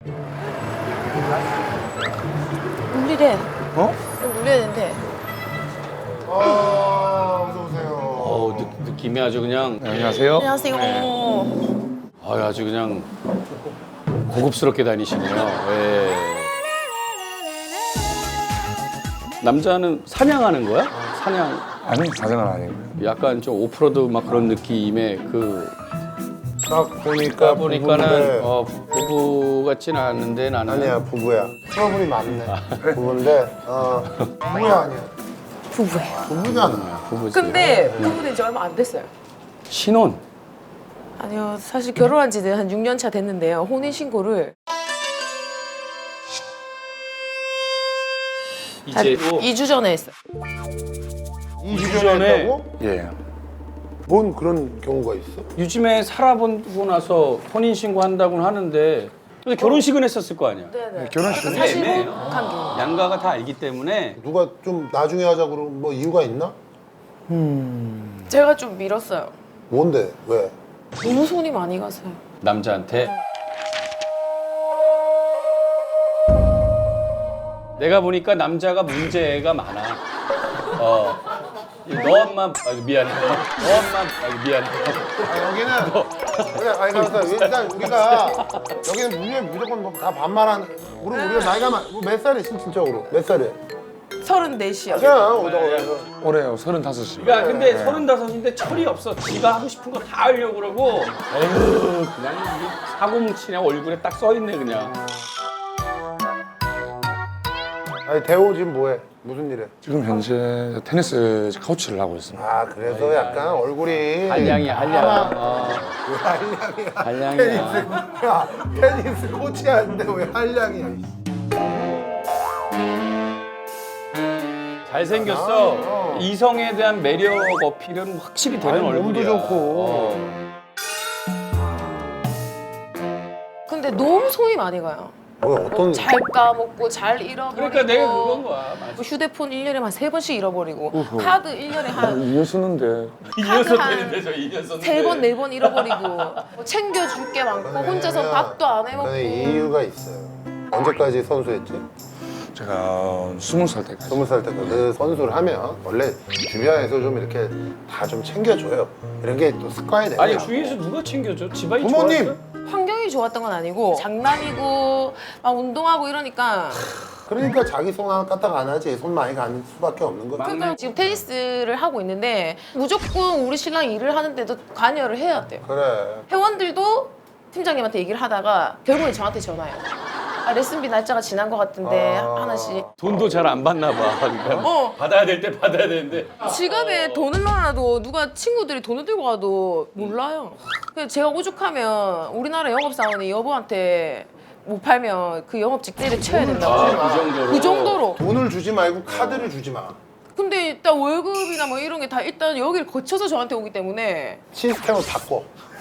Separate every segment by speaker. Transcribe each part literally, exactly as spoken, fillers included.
Speaker 1: 울리래.
Speaker 2: 어?
Speaker 1: 울려야 된대.
Speaker 3: 아, 어서 오세요.
Speaker 4: 어, 느, 느낌이 아주 그냥
Speaker 2: 네, 안녕하세요.
Speaker 1: 안녕하세요.
Speaker 4: 아유, 아주 그냥 고급스럽게 다니시네요. 예. 남자는 사냥하는 거야? 사냥.
Speaker 2: 아니, 사장은 아니고요.
Speaker 4: 약간 좀 오프로드 막 그런 느낌의 그.
Speaker 3: 딱 보니까
Speaker 4: 보니까는
Speaker 3: 부부인데.
Speaker 4: 어, 부부 같지는 않은데 나는.
Speaker 3: 아니야, 부부야. 트러블이 많네. 부부인데, 어, 부부야, 아니야.
Speaker 1: 부부예요.
Speaker 3: 부부잖아.
Speaker 4: 부부지.
Speaker 1: 근데 부부된 지 얼마 안 됐어요.
Speaker 4: 신혼.
Speaker 1: 아니요, 사실 결혼한 지는 한 육 년 차 됐는데요. 혼인 신고를
Speaker 4: 이제 또
Speaker 1: 이 주 전에 했어요.
Speaker 3: 이 주
Speaker 4: 전에
Speaker 3: 전에 했다고?
Speaker 2: 예.
Speaker 3: 뭔 그런 경우가 있어?
Speaker 4: 요즘에 살아보고 나서 혼인 신고한다고는 하는데 근데 결혼식은 했었을 거 아니야.
Speaker 1: 네네.
Speaker 2: 결혼식은
Speaker 1: 사실
Speaker 4: 애매해요.
Speaker 1: 한경
Speaker 4: 양가가 다 알기 때문에
Speaker 3: 누가 좀 나중에 하자고 그러면 뭐 이유가 있나?
Speaker 1: 제가 좀 밀었어요.
Speaker 3: 뭔데? 왜?
Speaker 1: 너무 손이 많이 가서요.
Speaker 4: 남자한테 내가 보니까 남자가 문제가 많아. 어. 너 엄마 아, 미안해. 너 엄마 아, 미안해.
Speaker 3: 아, 여기는 그래, 아니 그래서 일단 우리가 여기는 문제 무조건 뭐 다 반말하는. 우리 우리가 나이가 많- 몇 살이야 실질적으로? 몇 살이야?
Speaker 1: 서른넷이요.
Speaker 3: 맞아, 오다가
Speaker 2: 올해요, 서른다섯이요.
Speaker 4: 그러니까 근데 서른다섯인데 철이 없어. 지가 하고 싶은 거 다 하려고 그러고 에휴 그냥 이게 사고 뭉치냐 얼굴에 딱 써 있네 그냥.
Speaker 3: 아니 대호 지금 뭐해? 무슨 일해?
Speaker 2: 지금 현재 테니스 코치를 하고 있습니다.
Speaker 3: 아 그래서 약간 얼굴이
Speaker 4: 한량이야 한량. 어,
Speaker 3: 왜 한량이야?
Speaker 4: 한량이야.
Speaker 3: 테니스 야 테니스 코치 하는데 왜 한량이야?
Speaker 4: 잘생겼어.
Speaker 3: 어.
Speaker 4: 이성에 대한 매력 어필은 확실히 되는
Speaker 3: 아니,
Speaker 4: 얼굴이야.
Speaker 3: 몸도 좋고.
Speaker 4: 어.
Speaker 1: 근데 너무 손이 많이 가요.
Speaker 3: 뭐 어떤
Speaker 1: 잘 까먹고 잘 잃어버리고.
Speaker 4: 그러니까 내가 그건 거야. 맞아.
Speaker 1: 뭐 휴대폰 일 년에 한 세 번씩 잃어버리고 카드 일 년에 한
Speaker 2: 이년 쓰는데
Speaker 4: 이 년
Speaker 1: 한
Speaker 4: 썼는데 저 이 년 썼는데.
Speaker 1: 세 번, 네 번 잃어버리고 뭐 챙겨줄 게 많고 혼자서 밥도 안 해먹고
Speaker 3: 그래, 이유가 있어요. 언제까지 선수했지?
Speaker 2: 제가 스무 살 때까지.
Speaker 3: 스무 살 때까지 그 선수를 하면 원래 주변에서 좀 이렇게 다 좀 챙겨줘요. 이런 게 또 습관이 돼요.
Speaker 4: 아니 주위에서 누가 챙겨줘? 집안이
Speaker 3: 부모님!
Speaker 4: 좋았어?
Speaker 1: 환경이 좋았던 건 아니고 장난이고 막 운동하고 이러니까
Speaker 3: 그러니까 자기 손 하나 까딱 안 하지. 손 많이 가는 수밖에 없는 거지.
Speaker 1: 그러니까 지금 테니스를 하고 있는데 무조건 우리 신랑이 일을 하는데도 관여를 해야 돼요.
Speaker 3: 그래.
Speaker 1: 회원들도 팀장님한테 얘기를 하다가 결국에 저한테 전화해요. 아, 레슨비 날짜가 지난 것 같은데
Speaker 3: 아.
Speaker 1: 하나씩.
Speaker 4: 돈도 잘 안 받나 봐. 그러니까
Speaker 1: 어.
Speaker 4: 받아야 될 때 받아야 되는데.
Speaker 1: 지갑에 돈을 넣어놔도 누가 친구들이 돈을 들고 가도 몰라요. 그래서 제가 오죽하면 우리나라 영업사원이 여보한테 못 팔면 그 영업 직대를 쳐야 된다고.
Speaker 4: 아, 그 정도로.
Speaker 1: 그 정도로.
Speaker 3: 돈을 주지 말고 카드를 주지 마.
Speaker 1: 근데 일단 월급이나 뭐 이런 게 다 일단 여기를 거쳐서 저한테 오기 때문에
Speaker 3: 시스템을 바꿔.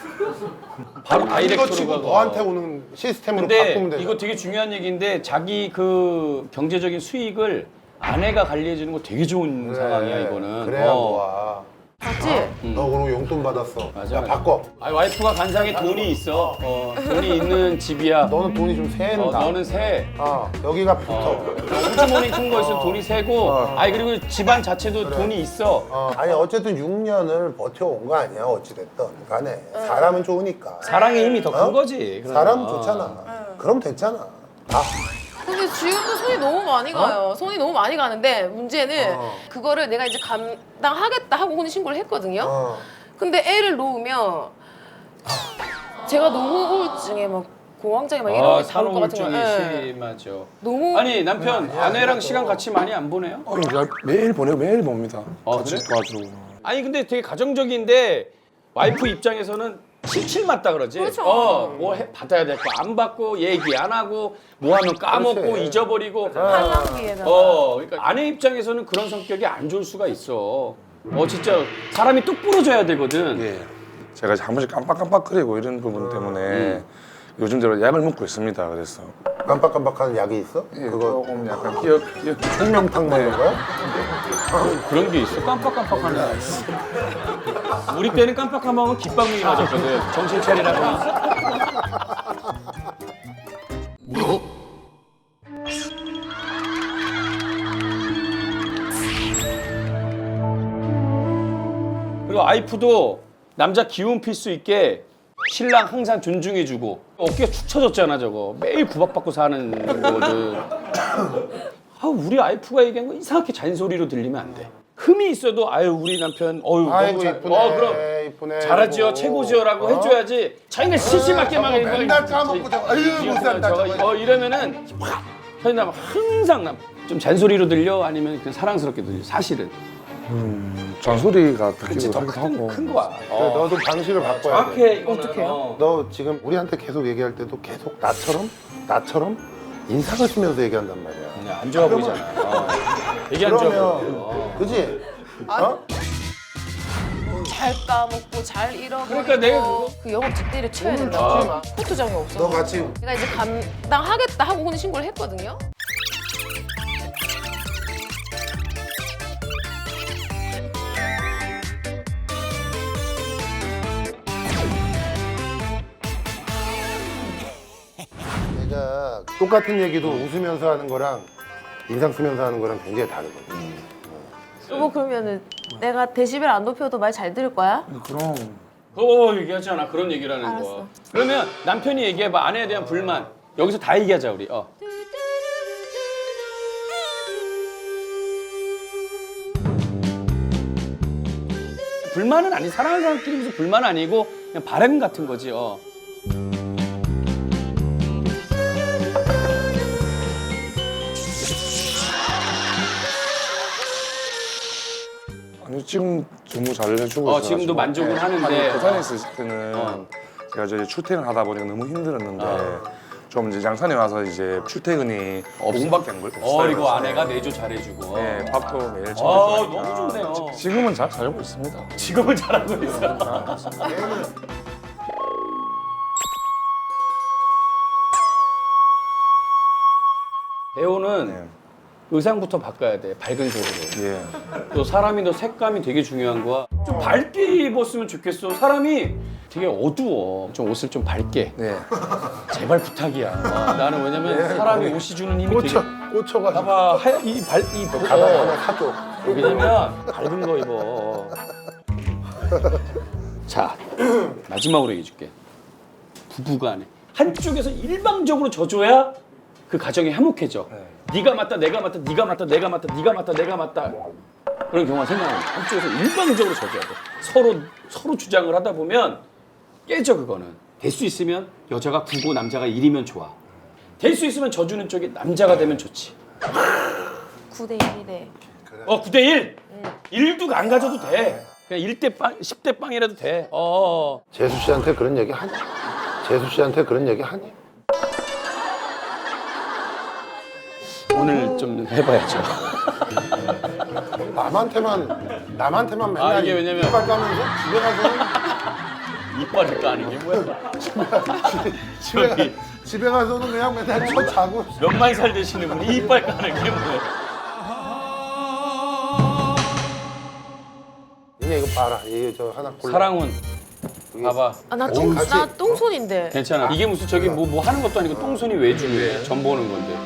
Speaker 4: 바로
Speaker 3: 이거
Speaker 4: 다이렉트로
Speaker 3: 치고
Speaker 4: 가고.
Speaker 3: 너한테 오는 시스템으로
Speaker 4: 근데
Speaker 3: 바꾸면 돼.
Speaker 4: 이거 되게 중요한 얘기인데 자기 그 경제적인 수익을 아내가 관리해 주는 거 되게 좋은 상황이야 이거는.
Speaker 3: 그래야
Speaker 4: 어.
Speaker 3: 뭐야.
Speaker 1: 맞지?
Speaker 3: 너 그러고 용돈 받았어.
Speaker 4: 맞아,
Speaker 3: 야
Speaker 4: 맞아.
Speaker 3: 바꿔.
Speaker 4: 아 와이프가 간상에 돈이 있어. 어, 돈이 있는 집이야.
Speaker 3: 너는 돈이 좀 새는다.
Speaker 4: 어, 너는 새.
Speaker 3: 어, 여기가 붙어.
Speaker 4: 호주머니 큰 거 있으면 돈이 새고. 아니 그리고 집안 자체도 돈이 있어.
Speaker 3: 어, 아니 어쨌든 육 년을 버텨온 거 아니야 어찌됐든 간에 사람은 좋으니까
Speaker 4: 사랑의 힘이 더 큰
Speaker 3: 어?
Speaker 4: 거지. 그러면.
Speaker 3: 사람은 좋잖아 그럼 됐잖아 아,
Speaker 1: 근데 지금도 손이 너무 많이 가요. 손이 너무 많이 가는데 문제는
Speaker 3: 어.
Speaker 1: 그거를 내가 이제 감당하겠다 하고 혼인신고를 했거든요.
Speaker 3: 어.
Speaker 1: 근데 애를 놓으면 제가 너무 우울증에 막 공황장애 막 이런
Speaker 4: 아,
Speaker 1: 게 다올 것 같은
Speaker 4: 산후우울증이
Speaker 1: 거예요. 예.
Speaker 4: 심하죠.
Speaker 1: 너무
Speaker 4: 아니 남편
Speaker 3: 아니야,
Speaker 4: 아내랑
Speaker 3: 아니야,
Speaker 4: 시간
Speaker 3: 또.
Speaker 4: 같이 많이 안 보내요?
Speaker 2: 어, 제가 매일 보내고 매일 봅니다.
Speaker 4: 어,
Speaker 2: 같이
Speaker 4: 그래?
Speaker 2: 도와주고.
Speaker 4: 아니 근데 되게 가정적인데 와이프 입장에서는 칠칠 맞다 그러지.
Speaker 1: 그렇죠.
Speaker 4: 어, 뭐 해, 받아야 될 거 안 받고 얘기 안 하고 뭐 하면 까먹고
Speaker 3: 그렇지.
Speaker 4: 잊어버리고.
Speaker 1: 팔랑기에다가
Speaker 4: 어, 그러니까 아내 입장에서는 그런 성격이 안 좋을 수가 있어. 어, 진짜 사람이 뚝 부러져야 되거든.
Speaker 2: 예. 제가 이제 한 번씩 깜빡깜빡거리고 이런 부분 때문에
Speaker 4: 음.
Speaker 2: 요즘 들어 약을 먹고 있습니다. 그래서
Speaker 3: 깜빡깜빡하는 약이 있어?
Speaker 2: 예,
Speaker 3: 그거
Speaker 2: 조금 약간 기억 기억
Speaker 3: 생명탕 먹는
Speaker 2: 네.
Speaker 3: 거야?
Speaker 4: 그런 게 있어. 깜빡깜빡하는 애. 우리 때는 깜빡깜빡하면 깃방울이 맞았거든. 정신 차리라고. 와이프도 남자 기운 필 수 있게 신랑 항상 존중해주고 어깨가 축 처졌잖아 저거. 매일 구박받고 사는 거거든. 아 우리 와이프가 얘기한 거 이상하게 잔소리로 들리면 안 돼. 흠이 있어도 아유 우리 남편 어유
Speaker 3: 아이고
Speaker 4: 너무 잘,
Speaker 3: 이쁘네.
Speaker 4: 어 그럼
Speaker 3: 이쁘네.
Speaker 4: 잘하지요
Speaker 3: 이러고.
Speaker 4: 최고지요라고
Speaker 3: 어?
Speaker 4: 해줘야지. 자기가 시시맞게 막
Speaker 3: 저거
Speaker 4: 이거
Speaker 3: 맨날 까먹고 저거 아유 못 산다
Speaker 4: 저거
Speaker 3: 저거.
Speaker 4: 어 이러면은 확 현남 항상 남 좀 잔소리로 들려 아니면 그냥 사랑스럽게 들려 사실은.
Speaker 2: 음, 잔소리가
Speaker 4: 그치
Speaker 2: 듣기도
Speaker 4: 더
Speaker 2: 하기도 하고.
Speaker 4: 큰 거야.
Speaker 3: 그래,
Speaker 4: 어.
Speaker 3: 너도 방식을 바꿔야 돼.
Speaker 4: 정확해 이거는.
Speaker 1: 어떡해요?
Speaker 4: 어.
Speaker 3: 너 지금 우리한테 계속 얘기할 때도 계속 나처럼 나처럼 인상을 쓰면서 얘기한단 말이야.
Speaker 4: 그냥 안 좋아 보이잖아. 어. 얘기 안 좋아 보여.
Speaker 3: 그러면 그지?
Speaker 1: 아,
Speaker 3: 어?
Speaker 1: 잘 까먹고 잘 잃어버리고
Speaker 4: 그러니까 내가 그거-
Speaker 1: 그 영업 직대를 쳐야
Speaker 3: 오늘
Speaker 1: 된다.
Speaker 3: 죽지 마.
Speaker 1: 포토장이 없어.
Speaker 3: 너 같이
Speaker 1: 내가 이제 감당하겠다 하고 혼인 신고를 했거든요.
Speaker 3: 내가 똑같은 얘기도 웃으면서 하는 거랑 인상 쓰면서 하는 거랑 굉장히 다르거든.
Speaker 1: 여보 그러면은 내가 데시벨 안 높여도 말 잘 들을 거야?
Speaker 2: 그럼
Speaker 4: 어 얘기하잖아 그런 얘기를 하는
Speaker 1: 알았어.
Speaker 4: 거. 그러면 남편이 얘기해봐 아내에 대한 불만 여기서 다 얘기하자 우리. 어. 불만은 아니 사랑하는 사람끼리 무슨 불만 아니고 그냥 바람 같은 거지. 어.
Speaker 2: 아니 지금 너무 잘 해주고
Speaker 4: 어,
Speaker 2: 있어가지고.
Speaker 4: 지금도 만족은
Speaker 2: 네.
Speaker 4: 하는데.
Speaker 2: 아니, 부산에 있을 때는
Speaker 4: 어.
Speaker 2: 제가 이제 출퇴근 하다 보니까 너무 힘들었는데
Speaker 4: 어.
Speaker 2: 좀 이제 양산에 와서 이제 출퇴근이 오 분밖에 안 걸렸어요.
Speaker 4: 어 그리고
Speaker 2: 그래서
Speaker 4: 아내가 내조 잘해주고.
Speaker 2: 네, 밥도 매일
Speaker 4: 아
Speaker 2: 챙겨주니까
Speaker 4: 너무 좋네요.
Speaker 2: 지금은 잘 살고 있습니다.
Speaker 4: 지금은 잘하고 있어. 배우는
Speaker 2: 네.
Speaker 4: 의상부터 바꿔야 돼. 밝은 색으로.
Speaker 2: 예.
Speaker 4: 또 사람이 너 색감이 되게 중요한 거야. 좀 밝게 입었으면 좋겠어. 사람이 되게 어두워. 좀 옷을 좀 밝게.
Speaker 2: 네.
Speaker 4: 제발 부탁이야. 어, 나는 왜냐면 사람이 옷이 주는 힘이
Speaker 3: 꽂혀
Speaker 4: 되게.
Speaker 3: 꽂혀가지고
Speaker 4: 봐봐 하얀 이발이
Speaker 3: 가방 하나 사줘.
Speaker 4: 왜냐면 밝은 거 입어. 자 마지막으로 얘기해줄게. 부부간에 한쪽에서 일방적으로 져줘야 그 가정이 화목해져.
Speaker 2: 네.
Speaker 4: 네가 맞다, 내가 맞다, 네가 맞다, 내가 맞다, 네가 맞다, 내가 맞다. 그런 경우가 생겨나요. 한쪽에서 일방적으로 져줘야 돼. 서로 서로 주장을 하다 보면 깨져 그거는. 될 수 있으면 여자가 구고 남자가 일이면 좋아. 될 수 있으면 져주는 쪽이 남자가 되면 좋지.
Speaker 1: 구 대 일이래.
Speaker 4: 어, 구 대 일. 일도 안 가져도 돼. 그냥 일 대 빵, 십 대 빵이라도 돼. 어.
Speaker 3: 재수 씨한테 그런 얘기 하니? 재수 씨한테 그런 얘기 하니?
Speaker 4: 오늘 좀 해봐야죠.
Speaker 3: 남한테만 남한테만 맨날
Speaker 4: 아, 이게 왜냐면-
Speaker 3: 이빨 까면서 집에 가서는
Speaker 4: 이빨을 까는 게 뭐야?
Speaker 3: 집에, 가,
Speaker 4: 저기
Speaker 3: 집에 가서는 그냥 맨날 쳐 자고
Speaker 4: 몇만 살 되시는 분이 이빨 까는 게 뭐야?
Speaker 3: 니네 이거 봐라 이거 저 하나 골라
Speaker 4: 사랑은 봐봐.
Speaker 1: 아, 나
Speaker 3: 오,
Speaker 1: 똥,
Speaker 3: 같이-
Speaker 1: 나 똥손인데.
Speaker 4: 괜찮아. 이게 무슨 저기 뭐 뭐 하는 것도 아니고 똥손이 왜 중요해? 전 보는 건데.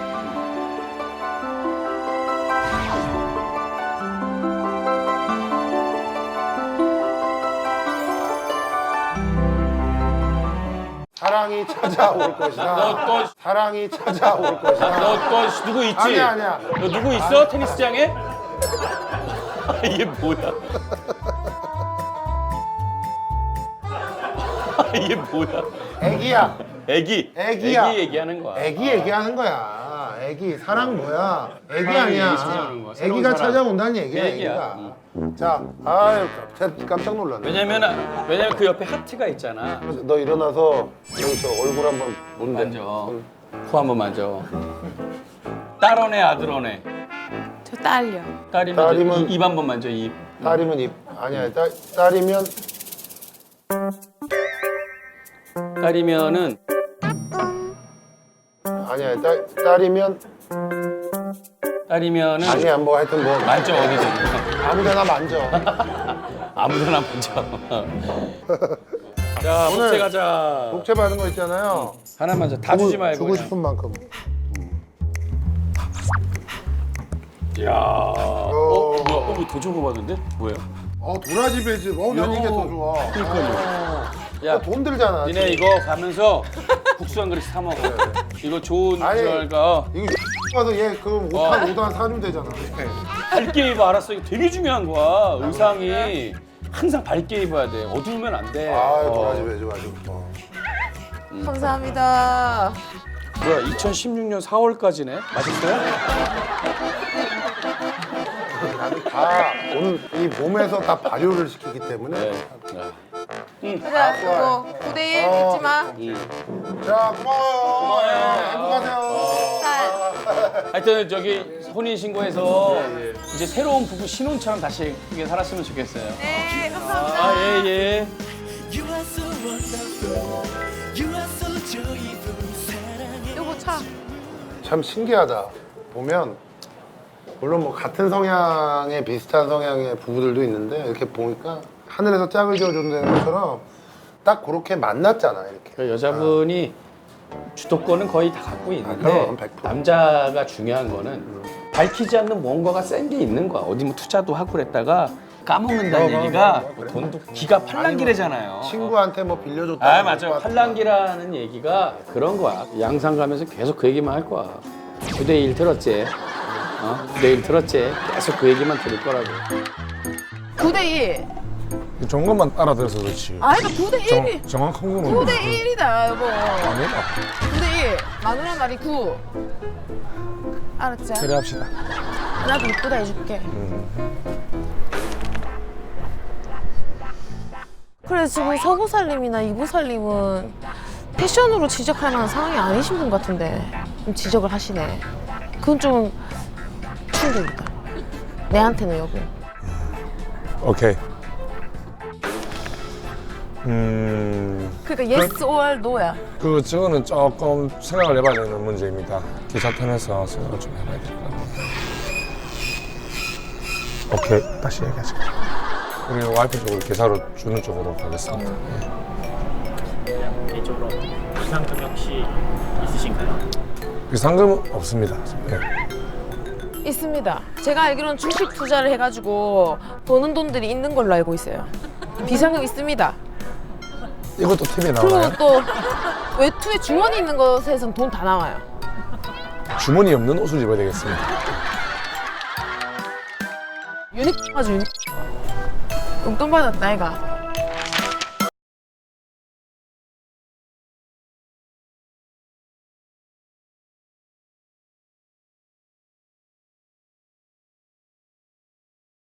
Speaker 3: 사랑이 찾아올 것이다
Speaker 4: 너, 너,
Speaker 3: 사랑이 찾아올 것이다
Speaker 4: 너, 너 누구 있지?
Speaker 3: 아니야 아니야
Speaker 4: 너 누구 있어? 테니스장에? 이게 뭐야? 이게 뭐야?
Speaker 3: 애기야
Speaker 4: 애기.
Speaker 3: 애기야.
Speaker 4: 애기 얘기하는 거야.
Speaker 3: 애기 얘기하는 거야 애기 사랑 뭐야 애기
Speaker 4: 사랑이
Speaker 3: 아니야
Speaker 4: 찾아오는 거야. 새로운
Speaker 3: 애기가
Speaker 4: 사랑.
Speaker 3: 찾아온다는 얘기야
Speaker 4: 애기야.
Speaker 3: 애기가 자 아유 깜- 깜짝 놀랐네
Speaker 4: 왜냐면 왜냐면 그 옆에 하트가 있잖아.
Speaker 3: 그래서 너 일어나서 여기 저 얼굴 한번
Speaker 4: 뭔데? 만져. 코 한번 만져. 딸어네 아들어네.
Speaker 1: 저 딸려.
Speaker 4: 딸이면,
Speaker 3: 딸이면-
Speaker 4: 입, 입 한번 만져 입.
Speaker 3: 딸이면 입 아니야 딸, 딸이면
Speaker 4: 딸이면은
Speaker 3: 아니야 딸, 딸이면
Speaker 4: 딸이면은
Speaker 3: 아니야 뭐 하여튼 뭐
Speaker 4: 만져 어디든.
Speaker 3: 아무데나 만져
Speaker 4: 아무데나 만져. 자
Speaker 3: 오늘
Speaker 4: 복채 가자.
Speaker 3: 복채 받은 거 있잖아요
Speaker 4: 하나만 줘. 다 주지
Speaker 3: 주고,
Speaker 4: 말고.
Speaker 3: 주고
Speaker 4: 그냥.
Speaker 3: 싶은 만큼
Speaker 4: 야. 어 뭐야? 어, 더 주고 받은데? 뭐야?
Speaker 3: 어 어 도라지 배즙. 어난 이게 더 좋아.
Speaker 4: 그러니까요.
Speaker 3: 야,
Speaker 4: 야,
Speaker 3: 돈 들잖아.
Speaker 4: 니네 이거 가면서 국수 한 그릇 사 먹어. 이거 좋은
Speaker 3: 아니,
Speaker 4: 저가
Speaker 3: 이거 가서 얘 그럼 오탄 오탄 사주면 되잖아.
Speaker 4: 밝게 입어. 알았어. 이거 되게 중요한 거야. 의상이 항상 밝게 입어야 돼. 어두우면 안 돼.
Speaker 3: 아
Speaker 4: 어.
Speaker 3: 도라지 배즙 아주. 어.
Speaker 1: 감사합니다.
Speaker 4: 뭐야? 이천십육 년 사월까지네. 맛있어요?
Speaker 3: 다 오늘 이 몸에서 다 발효를 시키기 때문에.
Speaker 4: 네.
Speaker 1: 그래, 그거 구 대 일
Speaker 3: 어.
Speaker 1: 잊지 마.
Speaker 3: 자 고마워요. 네, 행복하세요.
Speaker 1: 살.
Speaker 4: 하여튼 저기 혼인 신고해서 이제 새로운 부부 신혼처럼 다시 예쁘게 살았으면 좋겠어요.
Speaker 1: 네, 감사합니다.
Speaker 4: 아, 예, 예.
Speaker 1: 요거 차.
Speaker 3: 참 신기하다. 보면 물론 뭐 같은 성향의 비슷한 성향의 부부들도 있는데 이렇게 보니까 하늘에서 짝을 지어준다는 것처럼 딱 그렇게 만났잖아 이렇게.
Speaker 4: 그 여자분이 주도권은 거의 다 갖고 있는데
Speaker 3: 아, 그럼, 백 퍼센트.
Speaker 4: 남자가 중요한 거는 밝히지 않는 뭔가가 센 게 있는 거야. 어디 뭐 투자도 하고 그랬다가 까먹는다는
Speaker 3: 어,
Speaker 4: 얘기가
Speaker 3: 어, 어, 어,
Speaker 4: 돈도 기가 팔랑기래잖아요.
Speaker 3: 친구한테 뭐 빌려줬다.
Speaker 4: 아 맞아. 팔랑기라는 얘기가 그런 거야. 양산 가면서 계속 그 얘기만 할 거야. 구 대 일 들었지? 어? 구 대 일 들었지? 계속 그 얘기만 들을 거라고.
Speaker 1: 구 대 일.
Speaker 2: 좋은 것만 알아들어서 그렇지.
Speaker 1: 아, 그러니까 구 대 일이.
Speaker 2: 정, 정확한 거는
Speaker 1: 구 대 일이다, 여보.
Speaker 2: 아니다.
Speaker 1: 구 대 일. 마누라 말이 구. 알았지?
Speaker 2: 그래 합시다.
Speaker 1: 나도 이쁘다 해줄게. 그래, 지금 서구살림이나 이부살림은 패션으로 지적할 만한 상황이 아니신 분 같은데 좀 지적을 하시네. 그건 좀 충격이다. 내한테는 여보.
Speaker 2: 오케이. 음,
Speaker 1: 그러니까 yes or no야.
Speaker 2: 그 저거는 조금 생각을 해봐야 되는 문제입니다. 기사 편에서 생각을 좀 해봐야 될 것 같아요. 오케이, 다시 얘기하자. 우리 와이프 쪽으로 기사로 주는 쪽으로 가겠습니다. 예.
Speaker 5: 개인적으로 비상금 혹시 있으신가요?
Speaker 2: 비상금은 없습니다. 예.
Speaker 1: 있습니다. 제가 알기로는 주식 투자를 해가지고 버는 돈들이 있는 걸로 알고 있어요. 비상금 있습니다.
Speaker 2: 이것도 티비에
Speaker 1: 그리고
Speaker 2: 나와요?
Speaker 1: 또 외투에 주머니 있는 것에선 돈 다 나와요.
Speaker 2: 주머니 없는 옷을 입어야 되겠습니다.
Speaker 1: 유니크 아주 유니크. 용돈 받았다, 애가.